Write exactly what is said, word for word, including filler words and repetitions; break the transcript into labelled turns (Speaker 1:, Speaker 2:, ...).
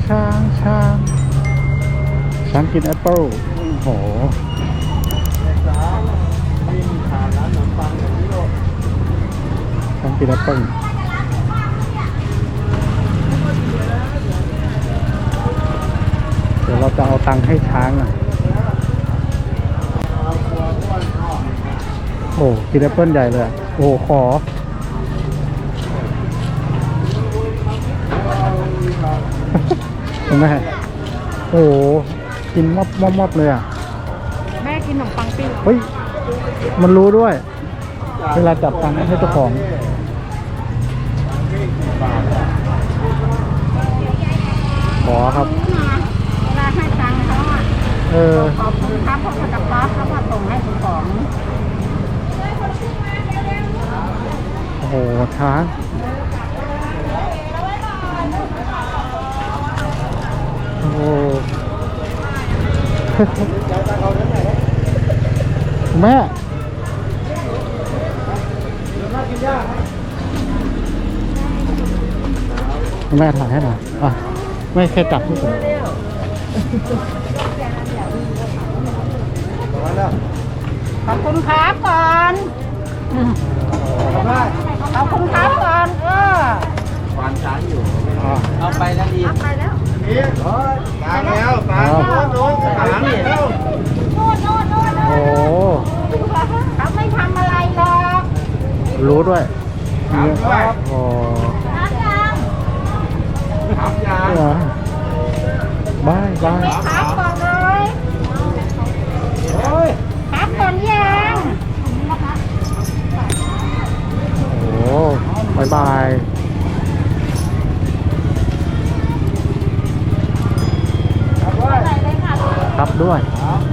Speaker 1: ช้างช้างช้างกินแอปเปิ้ลโอ้โหช้างกินแอปเปิ้ลเดี๋ยวเราจะเอาตังค์ให้ช้างอ่ะโอ้กินแอปเปิ้ลใหญ่เลยโอ้ขอเห็นไหมโอ้กินมอบมอบมอบเลยอ่ะ
Speaker 2: แม่กินขนมปังปิ้ง
Speaker 1: เฮ้ยมันรู้ด้วยเวลาจับตังค์ให้เจ้าของขอครับ
Speaker 2: เวลาให้ตังค์เขาอ่ะ
Speaker 1: เออ
Speaker 2: ขอบคุณครับเพราะเขาจะป๊อปเขาก็ส่งให้ของ
Speaker 1: โอ้โหช้างโอ้โหแม่แม่ถ่ายให้หน่อยอ่ะไม่แค่จับที่ผม
Speaker 2: ขอบคุณครับก่อนขอบคุณครับก่อนเออ
Speaker 3: วานช้างอยู่เอาไปแล้วดี
Speaker 2: ไปแล้ว
Speaker 3: นี่ตามแล้วตามโน้นตามนี่แล้ว
Speaker 2: โน่นโน่นโน่นโอ้เขาไม่ทำอะไรหรอก
Speaker 1: รู้ด้วย
Speaker 3: ทำด้วย
Speaker 1: โอ้
Speaker 2: น้ำยัง
Speaker 3: ทำยัง
Speaker 1: บายบาย
Speaker 2: ครับก่อนเลยโอ้ยครับก่อนยัง
Speaker 1: โอ้บายบายครับด้วย